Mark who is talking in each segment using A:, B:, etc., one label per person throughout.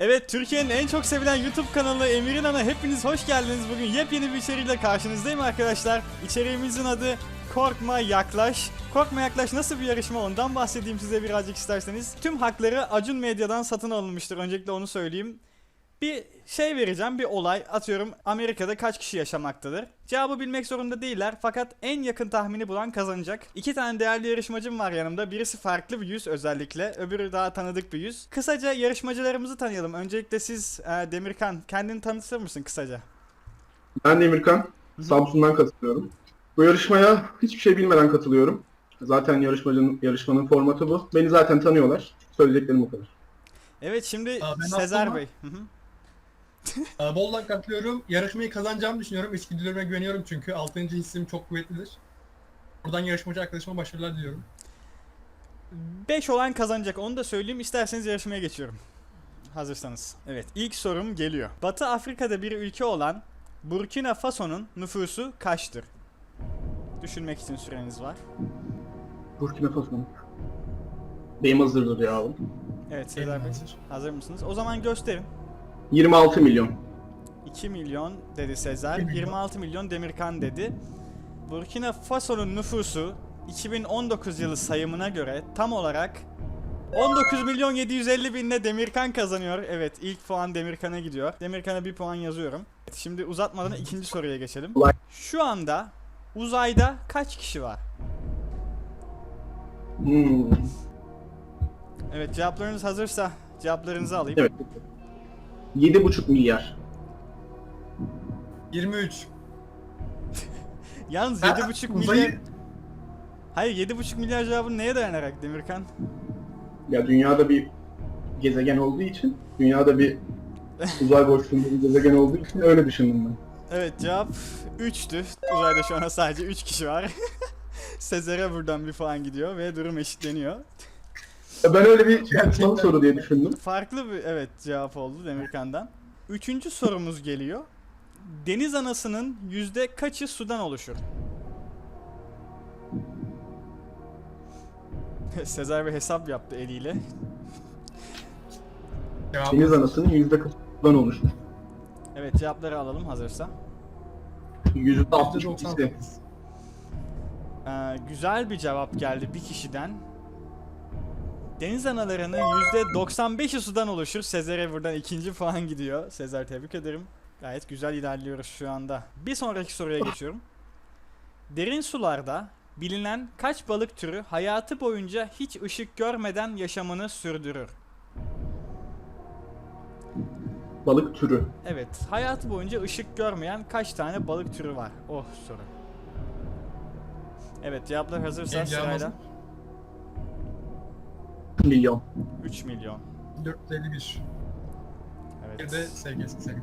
A: Evet, Türkiye'nin en çok sevilen YouTube kanalı Emir'in Ana, hepiniz hoş geldiniz. Bugün yepyeni bir içeriğiyle karşınızdayım arkadaşlar. İçeriğimizin adı Korkma Yaklaş. Korkma Yaklaş nasıl bir yarışma, ondan bahsedeyim size birazcık isterseniz. Tüm hakları Acun Medya'dan satın alınmıştır, öncelikle onu söyleyeyim. Bir şey vereceğim, bir olay. Atıyorum, Amerika'da kaç kişi yaşamaktadır? Cevabı bilmek zorunda değiller, fakat en yakın tahmini bulan kazanacak. İki tane değerli yarışmacım var yanımda. Birisi farklı bir yüz özellikle, öbürü daha tanıdık bir yüz. Kısaca yarışmacılarımızı tanıyalım. Öncelikle siz Demirkan, kendini tanıtır mısın kısaca?
B: Ben Demirkan, Samsun'dan katılıyorum. Bu yarışmaya hiçbir şey bilmeden katılıyorum. Zaten yarışmanın formatı bu. Beni zaten tanıyorlar. Söyleyeceklerim bu kadar.
A: Evet, şimdi
C: Ben
A: Sezer
C: Abdullah.
A: Bey.
C: Boldan katılıyorum. Yarışmayı kazanacağımı düşünüyorum. İçgüdülerime güveniyorum çünkü 6. hissim çok kuvvetlidir. Buradan yarışmacı arkadaşıma başarılar diliyorum.
A: 5 olan kazanacak, onu da söyleyeyim. İsterseniz yarışmaya geçiyorum. Hazırsanız. Evet, ilk sorum geliyor. Batı Afrika'da bir ülke olan Burkina Faso'nun nüfusu kaçtır? Düşünmek için süreniz var.
B: Burkina Faso. Benim hazırdır ya.
A: Evet Sezer Bey,
C: Hazır.
A: hazır mısınız? O zaman gösterin.
B: 26 milyon.
A: 2 milyon dedi Sezer,
C: 2 milyon.
A: 26 milyon Demirkan dedi. Burkina Faso'nun nüfusu 2019 yılı sayımına göre tam olarak 19 milyon 750 binle Demirkan kazanıyor. Evet, ilk puan Demirkan'a gidiyor. Demirkan'a bir puan yazıyorum. Şimdi uzatmadan ikinci soruya geçelim. Şu anda uzayda kaç kişi var? Evet, cevaplarınız hazırsa cevaplarınızı alayım.
B: Evet. 7,5 milyar.
C: 23.
A: Yalnız
C: Ha,
A: 7,5 milyar...
C: uzayı-
A: Hayır, 7,5 milyar cevabı neye dayanarak Demirkan?
B: Ya dünyada bir gezegen olduğu için, dünyada bir uzay boşluğunda bir gezegen olduğu için öyle düşündüm ben.
A: Evet, cevap 3'tü. Uzayda şu an sadece 3 kişi var. Sezer'e buradan bir puan gidiyor ve durum eşitleniyor.
B: Ya ben öyle bir son soru diye düşündüm.
A: Farklı bir cevap oldu Demirkan'dan. Üçüncü sorumuz geliyor. Deniz anasının yüzde kaçı sudan oluşur? Sezer bir hesap yaptı eliyle.
C: Cevabı
B: Deniz anasının %40'dan oluşmuş.
A: Evet, cevapları alalım hazırsa.
B: %62'si.
A: Güzel bir cevap geldi bir kişiden. Deniz analarının %95'i sudan oluşur. Sezer'e buradan ikinci puan gidiyor. Sezer, tebrik ederim. Gayet güzel ilerliyoruz şu anda. Bir sonraki soruya geçiyorum. Derin sularda bilinen kaç balık türü hayatı boyunca hiç ışık görmeden yaşamını sürdürür?
B: Balık türü.
A: Evet, hayatı boyunca ışık görmeyen kaç tane balık türü var? Oh soru. Evet, cevaplar hazırsa
C: Benim cevabım
A: sırayla.
C: hazır.
B: Milyon.
A: 3 milyon.
C: 451. Bir de
A: Evet.
C: sevgilisi.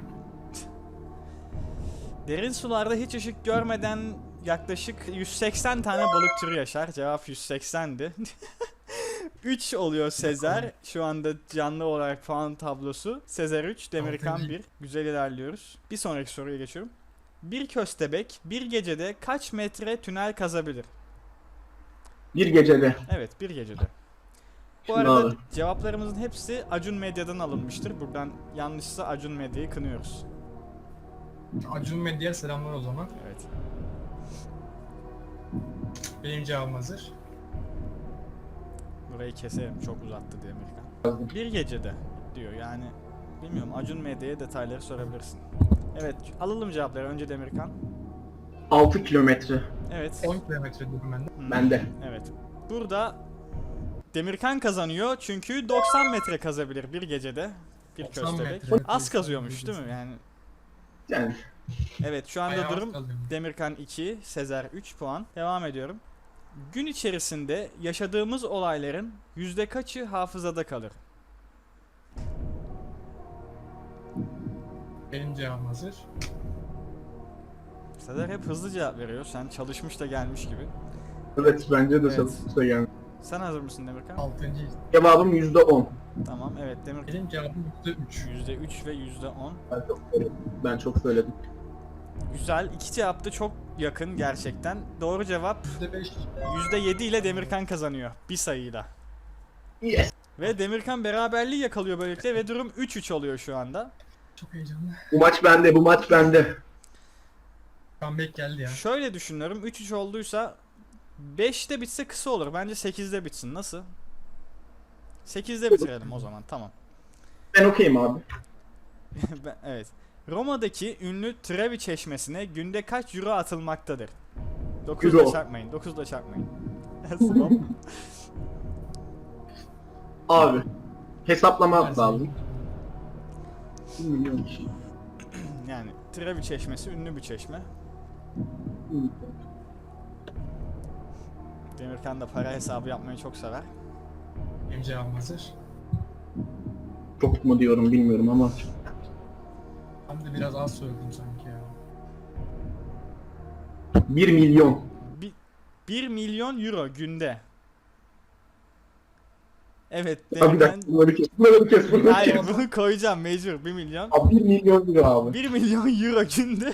A: Derin sularda hiç ışık görmeden yaklaşık 180 tane balık türü yaşar. Cevap 180'di. 3 oluyor Sezer. Şu anda canlı olarak puan tablosu. Sezer 3, Demirkan
C: Altıncı.
A: 1. Güzel ilerliyoruz. Bir sonraki soruya geçiyorum. Bir köstebek bir gecede kaç metre tünel kazabilir?
B: Bir gecede.
A: Evet, bir gecede. Bu
B: Şimdi
A: arada
B: abi.
A: cevaplarımızın hepsi Acun Medya'dan alınmıştır. Buradan yanlışsa Acun Medya'yı kınıyoruz.
C: Acun Medya'ya selamlar o zaman.
A: Evet.
C: Benim cevabım hazır.
A: Burayı keserim, çok uzattı Demirkan. Bir gecede diyor, yani bilmiyorum, Acun Medya'ya detayları sorabilirsin. Evet, alalım cevapları. Önce Demirkan.
B: 6 kilometre.
A: Evet.
C: 10 kilometre diyorum ben de.
B: Bende.
A: Evet. Burada Demirkan kazanıyor çünkü 90 metre kazabilir bir gecede. Bir
C: 90
A: köstebek.
C: metre.
A: Az kazıyormuş değil mi? Yani
B: Yani
A: evet, şu anda
C: Bayağı
A: durum
C: kalıyorum.
A: Demirkan 2, Sezer 3 puan. Devam ediyorum. Gün içerisinde yaşadığımız olayların yüzde kaçı hafızada kalır?
C: Benim cevabım hazır.
A: Sezer hep hızlı cevap veriyor. Sen çalışmış da gelmiş gibi.
B: evet bence de
A: Evet.
B: çalışsa yani.
A: Sen hazır mısın Demirkan?
C: 6.
B: Cevabım %10.
A: Tamam, evet Demirkan.
C: Benim cevabım %3.
A: %3 ve %10.
B: Ben çok söyledim. Ben çok söyledim.
A: Güzel. İki cevap da çok yakın gerçekten. Doğru cevap
C: %5.
A: %7 ile Demirkan kazanıyor. Bir sayıyla.
B: Yes.
A: Ve Demirkan beraberliği yakalıyor böylelikle ve durum 3-3 oluyor şu anda.
C: Çok heyecanlı.
B: Bu maç bende, bu maç bende.
C: Comeback geldi ya.
A: Şöyle düşünüyorum, 3-3 olduysa 5'te bitse kısa olur. Bence 8'de bitsin. Nasıl? 8'de bitirelim o zaman. Tamam.
B: Ben okeyim abi.
A: Evet. Roma'daki ünlü Trevi Çeşmesi'ne günde kaç euro atılmaktadır? 9'da
B: Euro.
A: çarpmayın. 9'da çarpmayın. Tamam.
B: Abi. Hesaplama
C: Her
B: lazım.
C: şey.
B: 1 milyon kişi.
A: Yani Trevi Çeşmesi ünlü bir çeşme. Demirkan da para hesabı yapmayı çok sever.
C: Benim cevabım hazır.
B: Çok mu diyorum bilmiyorum ama.
C: Ben de biraz az söyledim sanki ya.
B: 1 milyon.
A: 1 milyon euro günde. Evet,
B: Abi bir dakika, bunları kes, bunları kes, bunları
A: Hayır,
B: kes.
A: bunu koyacağım mecbur 1 milyon.
B: Abi 1 milyon lira abi.
A: 1 milyon euro günde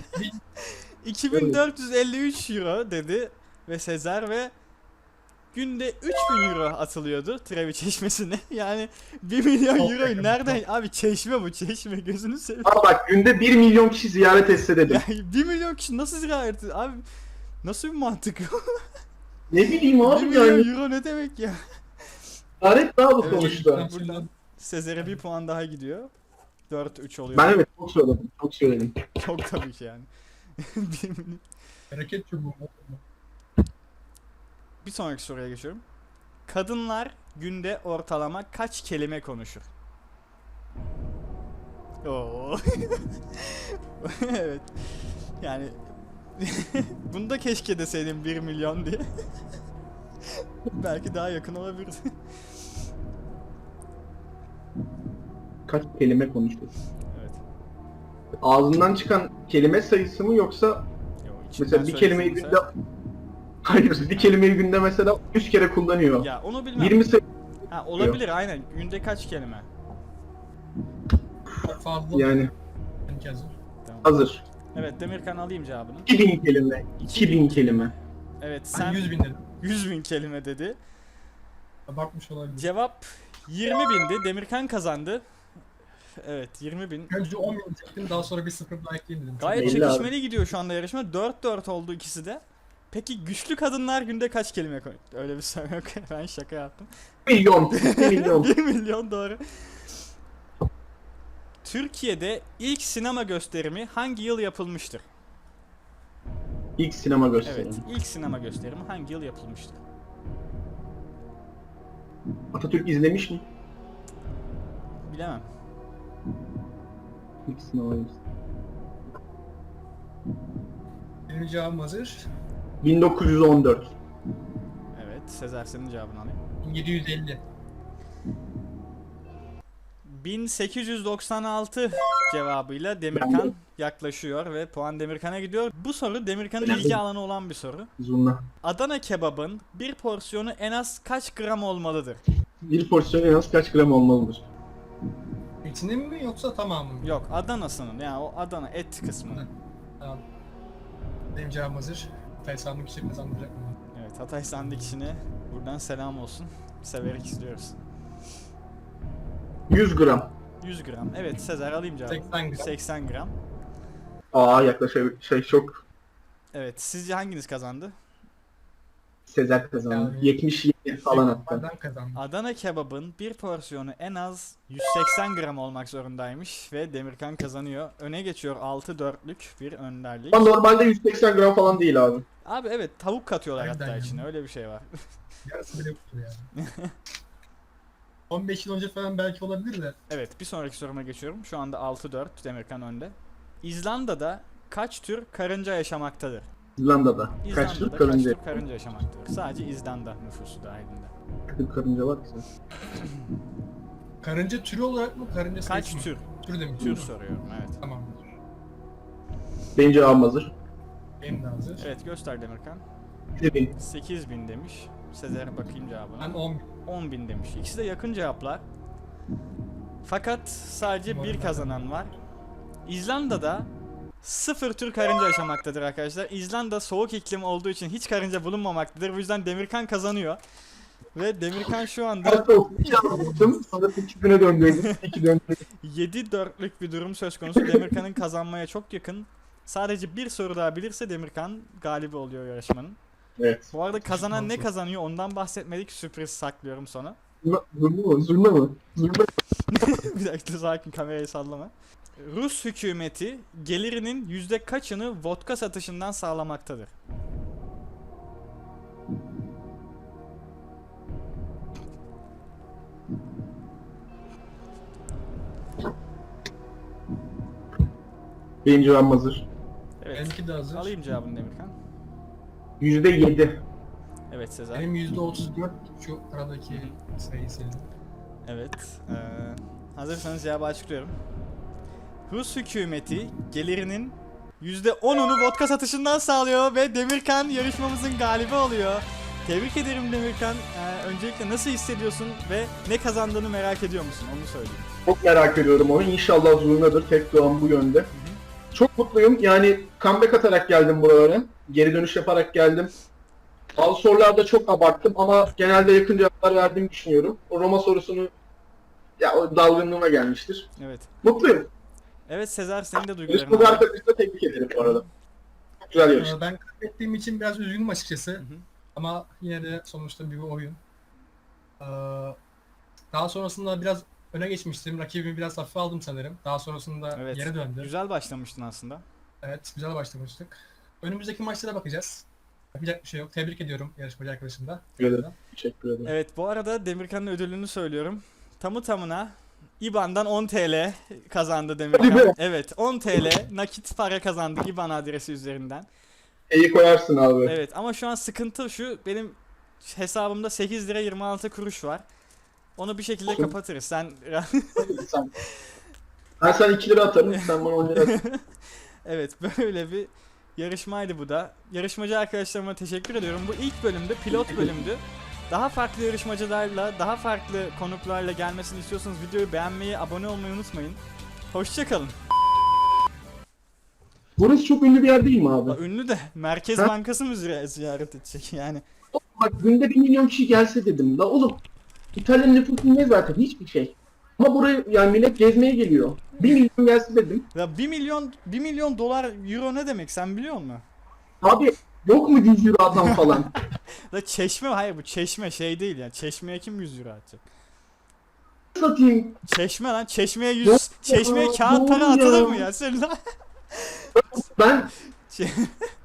A: 2453 euro dedi ve Sezar ve günde 3000 euro atılıyordu Trevi Çeşmesi'ne. Yani 1 milyon
C: Çok
A: euroyu
C: yakın,
A: nereden? Abi çeşme bu, çeşme, gözünü seveyim.
B: Abi bak günde 1 milyon kişi ziyaret etse dedim.
A: Yani 1 milyon kişi nasıl ziyaret ediyor? Abi nasıl bir mantık?
B: Ne bileyim
A: 1
B: abi
A: milyon
B: yani.
A: euro ne demek ya?
B: Ziyaret daha bu
A: Evet,
B: sonuçta.
A: buradan Sezer'e bir puan daha gidiyor. 4-3 oluyor.
B: Ben evet çok söyledim. Çok söyledim.
A: Çok tabii ki yani. 1 milyon.
C: Hareket çubuğu.
A: Bir sonraki soruya geçiyorum. Kadınlar günde ortalama kaç kelime konuşur? Oo. Evet. Yani bunu da keşke deseydim 1 milyon diye. Belki daha yakın olabilirdi.
B: Kaç kelime konuştuk?
A: Evet.
B: Ağzından çıkan kelime sayısı mı yoksa
A: Yo, içimden
B: mesela bir kelimeyi
A: söylediğim
B: günde hayır bir kelimeyi günde mesela 100 kere kullanıyor.
A: Ya onu bilmem.
B: 20 sayı
A: Ha, olabilir aynen. Günde kaç kelime?
C: Çok fazla.
B: yani
C: Benimki hazır.
A: Tamam.
B: hazır.
A: Evet, Demirkan alayım cevabını.
B: 2000 kelime. 2000 kelime.
A: Evet,
C: Ben
A: sen
C: 100 bin dedim.
A: 100 bin kelime dedi.
C: Abartmış olabilir.
A: Cevap 20 bindi. Demirkan kazandı. Evet, 20 bin.
C: Önce 10 bin çektim, daha sonra bir sıfır daha ekleyeyim dedim.
A: Gayet
B: belli
A: çekişmeli gidiyor şu anda yarışma. 4-4 oldu ikisi de. Peki güçlü kadınlar günde kaç kelime koy? Öyle bir soru yok. Ben şaka yaptım.
B: Milyon. 1 milyon.
A: 1 milyon doğru. Türkiye'de ilk sinema gösterimi hangi yıl yapılmıştır?
B: İlk sinema gösterimi.
A: Evet, ilk sinema gösterimi hangi yıl yapılmıştır?
B: Atatürk izlemiş mi?
A: Bilemem.
B: İlk sinema gösterimi.
C: Benim cevabım hazır.
B: 1914.
A: Evet, Sezer senin cevabını alayım.
C: 750.
A: 1896 cevabıyla Demirkan yaklaşıyor ve puan Demirkan'a gidiyor. Bu soru Demirkan'ın ilgi alanı olan bir soru.
B: Zurna.
A: Adana kebabın bir porsiyonu en az kaç gram olmalıdır?
B: Bir porsiyon en az kaç gram olmalıdır?
C: İçinin mi yoksa tamamı mı?
A: Yok, Adana'sının, yani o Adana et kısmı.
C: Tamam. Benim cevabım hazır. Hatay sandık işi kazandıracak mı?
A: Evet, Hatay Sandık işine buradan selam olsun. Severek izliyoruz.
B: 100 gram.
A: 100 gram. Evet, Sezer alayım cevabı.
C: 80 gram.
A: 80 gram.
B: Yaklaşık çok
A: Evet, sizce hanginiz kazandı?
B: Sezer kazandı.
C: Yani-
B: 77 falan hatta.
C: Adam kazandı.
A: Adana kebabın bir porsiyonu en az 180 gram olmak zorundaymış ve Demirkan kazanıyor. Öne geçiyor 6-4'lük bir önderlik.
B: Ama normalde 180 gram falan değil abi.
A: Abi evet, tavuk katıyorlar
C: Aynen
A: hatta
C: yani.
A: içine, öyle bir şey var.
C: Yarısı bile yoktur yani. 15 yıl önce falan belki olabilir de.
A: Evet, bir sonraki soruma geçiyorum. Şu anda 6-4, Demirkan önde. İzlanda'da kaç tür karınca yaşamaktadır?
B: İzlanda'da. Kaç
A: İzlanda'da
B: tür karınca?
A: kaç tür karınca yaşamaktadır? Sadece İzlanda nüfusu dahilinde.
B: Kaç tür karınca var ki sen?
C: Karınca türü olarak mı? Karınca
A: Kaç
C: sayısı mı?
A: tür?
C: Tür demiş.
A: Tür soruyorum, evet.
C: Tamam.
B: Benim cevabım hazır.
C: Benim de hazır.
A: Evet, göster Demirkan.
B: 7000.
A: 8000 demiş. Sezer'e bakayım cevabına.
C: Ben 10 bin.
A: 10.000 demiş. İkisi de yakın cevaplar. Fakat sadece bir kazanan var. İzlanda'da 0 tür karınca yaşamaktadır arkadaşlar. İzlanda soğuk iklim olduğu için hiç karınca bulunmamaktadır. Bu yüzden Demirkan kazanıyor. Ve Demirkan şu anda
B: Hatta o 2 aldım. Sonra 8 güne döndürdüm. 2 döndürdüm.
A: 7-4'lük bir durum söz konusu. Demirkan'ın kazanmaya çok yakın. Sadece bir soru daha bilirse Demirkan galibi oluyor yarışmanın.
B: Evet.
A: Bu arada kazanan ne kazanıyor ondan bahsetmedik. Sürpriz saklıyorum sonra.
B: Zulme mi? Zulme mi? Zulme.
A: Bir dakika sakin, kamerayı sallama. Rus hükümeti gelirinin yüzde kaçını vodka satışından sağlamaktadır?
B: Benim cevabım hazır.
A: Evet.
C: Benimki de hazır.
A: Alayım cevabını Demirkan.
B: %7.
A: Evet Sezer.
C: Benim %34 şu aradaki sayı senin.
A: Evet. Hazırsanız cevabı açıklıyorum. Rus hükümeti gelirinin %10'unu vodka satışından sağlıyor ve Demirkan yarışmamızın galibi oluyor. Tebrik ederim Demirkan. Öncelikle nasıl hissediyorsun ve ne kazandığını merak ediyor musun? Onu söyleyeyim.
B: Çok merak ediyorum onu. İnşallah zulmedir. Tek duam bu yönde. Çok mutluyum. Yani comeback atarak geldim buralara. Geri dönüş yaparak geldim. Bazı sorularda çok abarttım ama genelde yakın cevaplar verdiğimi düşünüyorum. O Roma sorusunu o dalgınlığıma gelmiştir.
A: Evet.
B: Mutluyum.
A: Evet Sezer, senin de duyguların
B: Yarışmacı
A: var.
B: arkadaşını da tebrik ederim bu arada. Çok güzel yarıştı.
C: Ben kaybettiğim için biraz üzgünüm açıkçası.
A: hı.
C: Ama yine de sonuçta bir oyun. Daha sonrasında biraz öne geçmiştim. Rakibimi biraz hafife aldım sanırım. Daha sonrasında
A: Evet.
C: geri döndü.
A: Güzel başlamıştın aslında.
C: Evet, güzel başlamıştık. Önümüzdeki maçlara bakacağız. Yapacak bir şey yok. Tebrik ediyorum yarışmacı arkadaşım da.
B: Teşekkür ederim. Teşekkür ederim.
A: Evet, bu arada Demirkan'ın ödülünü söylüyorum. Tamı tamına IBAN'dan 10 TL kazandı
B: Hadi
A: Demirkan.
B: be.
A: Evet, 10 TL nakit para kazandı IBAN adresi üzerinden.
B: İyi koyarsın abi.
A: Evet ama şu an sıkıntı şu, benim hesabımda 8 lira 26 kuruş var. Onu bir şekilde
B: Olsun.
A: kapatırız. Sen
B: Ben sana 2 lira atarım, sen bana 10 lira at.
A: evet, böyle bir yarışmaydı bu da. Yarışmacı arkadaşlarıma teşekkür ediyorum. Bu ilk bölümde, pilot bölümdü. Daha farklı yarışmacılarla, daha farklı konuklarla gelmesini istiyorsanız videoyu beğenmeyi, abone olmayı unutmayın. Hoşçakalın.
B: Burası çok ünlü bir yer değil mi abi?
A: Ünlü de Merkez
B: Ha?
A: Bankası mı ziyaret edecek yani?
B: Bak günde 1 milyon kişi gelse dedim. La oğlum, İtalya'nın nüfusu ne zaten? Hiçbir şey. Ama buraya yani millet gezmeye geliyor. 1 milyon gelse dedim.
A: Ya 1 milyon dolar, euro ne demek sen biliyor musun?
B: Abi yok mu 100 euro atan falan?
A: La Çeşme, hayır bu Çeşme şey değil ya. Çeşmeye kim 100 euro atacak?
B: Satayım.
A: Çeşme lan, Çeşmeye
B: Yok
A: 100,
B: ya,
A: Çeşmeye kağıt
B: doğru
A: para
B: ya.
A: atılır mı ya? Sen lan.
B: Ben